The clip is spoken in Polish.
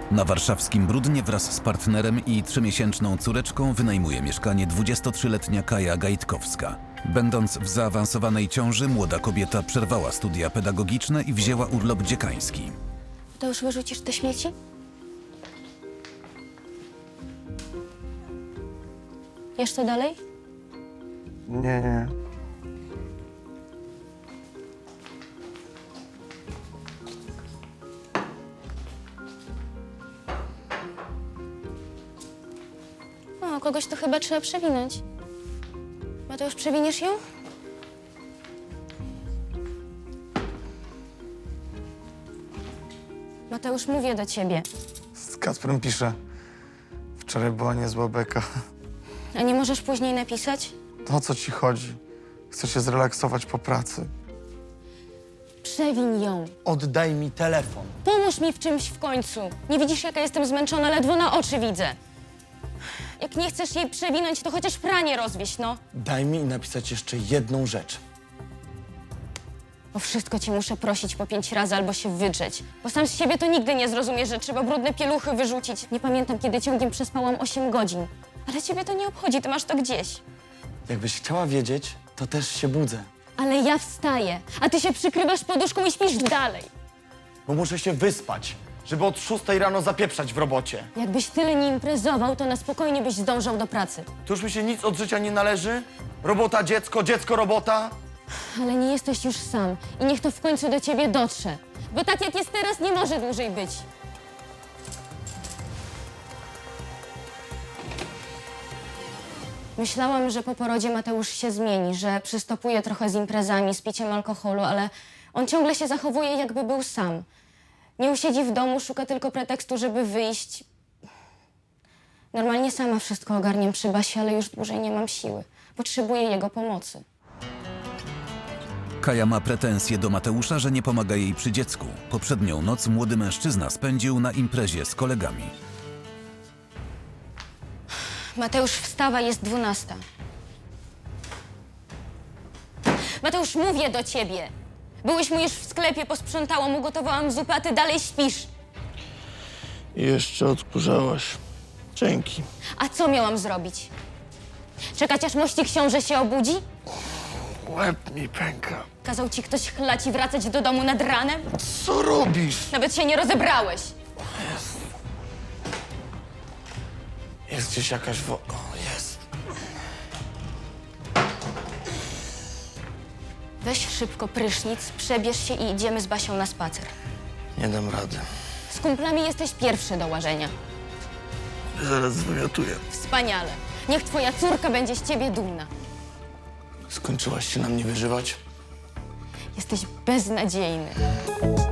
Na warszawskim Brudnie wraz z partnerem i 3-miesięczną córeczką wynajmuje mieszkanie 23-letnia Kaja Gajtkowska. Będąc w zaawansowanej ciąży, młoda kobieta przerwała studia pedagogiczne i wzięła urlop dziekański. To już wyrzucisz te śmieci? Jeszcze dalej? Nie. O, kogoś to chyba trzeba przewinąć. Mateusz, przewiniesz ją? Mateusz, mówię do ciebie. Z Kacprem piszę. Wczoraj była niezła beka. A nie możesz później napisać? To o co ci chodzi? Chcę się zrelaksować po pracy. Przewin ją. Oddaj mi telefon. Pomóż mi w czymś w końcu. Nie widzisz, jaka jestem zmęczona? Ledwo na oczy widzę. Jak nie chcesz jej przewinąć, to chociaż pranie rozwieź, no. Daj mi napisać jeszcze jedną rzecz. O wszystko ci muszę prosić po 5 razy albo się wydrzeć. Bo sam z siebie to nigdy nie zrozumiesz, że trzeba brudne pieluchy wyrzucić. Nie pamiętam, kiedy ciągiem przespałam 8 godzin. Ale ciebie to nie obchodzi, ty masz to gdzieś. Jakbyś chciała wiedzieć, to też się budzę. Ale ja wstaję, a ty się przykrywasz poduszką i śpisz dalej. Bo muszę się wyspać, żeby od 6 rano zapieprzać w robocie. Jakbyś tyle nie imprezował, to na spokojnie byś zdążał do pracy. To już mi się nic od życia nie należy? Robota, dziecko, dziecko, robota? Ale nie jesteś już sam i niech to w końcu do ciebie dotrze. Bo tak jak jest teraz, nie może dłużej być. Myślałam, że po porodzie Mateusz się zmieni, że przystopuje trochę z imprezami, z piciem alkoholu, ale on ciągle się zachowuje, jakby był sam. Nie usiedzi w domu, szuka tylko pretekstu, żeby wyjść. Normalnie sama wszystko ogarniam przy Basie, ale już dłużej nie mam siły. Potrzebuję jego pomocy. Kaja ma pretensje do Mateusza, że nie pomaga jej przy dziecku. Poprzednią noc młody mężczyzna spędził na imprezie z kolegami. Mateusz, wstawa, jest 12. Mateusz, mówię do ciebie. Byłyśmy już w sklepie, posprzątałam, ugotowałam zupę, a ty dalej śpisz. I jeszcze odkurzałaś. Dzięki. A co miałam zrobić? Czekać, aż mości książę się obudzi? Łeb mi pęka. Kazał ci ktoś chlać i wracać do domu nad ranem? Co robisz? Nawet się nie rozebrałeś. Jest gdzieś jakaś O, jest. Weź szybko prysznic, przebierz się i idziemy z Basią na spacer. Nie dam rady. Z kumplami jesteś pierwszy do łażenia. Zaraz zwymiotuję. Wspaniale. Niech twoja córka będzie z ciebie dumna. Skończyłaś się na mnie wyżywać? Jesteś beznadziejny.